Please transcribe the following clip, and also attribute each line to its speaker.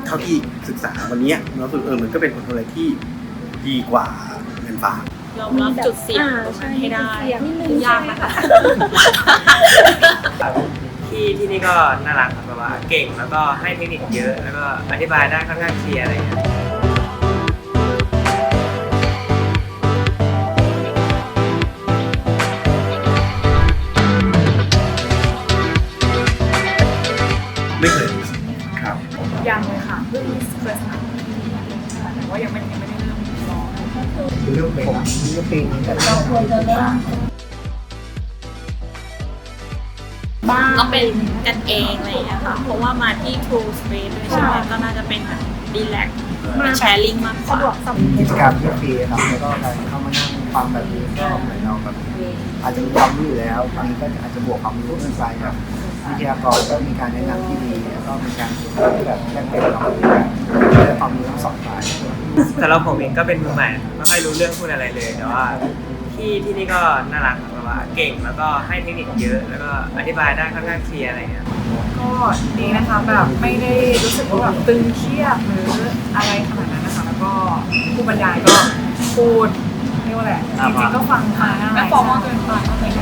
Speaker 1: เท่าที่ศึกษาวันนี้เราสึกมันก็เป็นผลอะไรที่ดีกว่าเงินฝาก
Speaker 2: ยอมรับจุดเสี่ยงตรงนั้นให้ได้ยากนะคะ
Speaker 3: ที่นี่ก็น่ารักครับแบบว่าเก่งแล้วก็ให้เทคนิคเยอะแล้วก็อธิบายได้ค่อนข้างเคลียร์อะไรอย่างเงี้ย
Speaker 1: ไม่เคยครับ
Speaker 4: ยังเลยค่ะเพิ่งเคยสมัครแต่ว่ายังไม่ได้เริ่มร้อง
Speaker 5: คือเรื่องเป็นเรื่องปีนี้แต่เราควรจะเริ่ม
Speaker 2: ก็เป็นกันเองอะไรอย่างเงี้ยค่ะเพราะว่ามาที่ True Space ด้วยใช่ไหมก็น่าจะเป็นแบบรีแลกซ์เป็นแชร์ลิงก์มากกว่า
Speaker 5: กิจกรรมที่ฟรีครับแล้วก็การเข้ามานั่งฟังแบบนี้ก็เหมือนเราแบบอาจจะมีความรู้อยู่แล้วตอนนี้ก็อาจจะบวกความรู้ขึ้นไปครับวิทยากรก็มีการแนะนำที่ดีแล้วก็มีการที่แบบแลกเปลี่ยนความรู้กันได้ความรู้ทั้งสองฝ่าย
Speaker 3: แต่เราผมเองก็เป็นมือใหม่ไม่ค่อยรู้เรื่องพูดอะไรเลยแต่ว่าที่นี่ก็น่ารักแบบว่าเก่งแล้วก็ให้เทคนิคเยอะแล้วก็อธิบายได้ค่อนข้างเคลียร์อะไรเงี้ย
Speaker 4: ก็ดีนะคะแบบไม่ได้รู้สึกว่าแบบตึงเครียดหรืออะไรขนาดนั้นนะคะแล้วก็ผู้บรรยายก็พูดเรียกว่าอะไรจริงๆก็ฟังง่ายไม่ฟอร์มอลเกินไปอะไร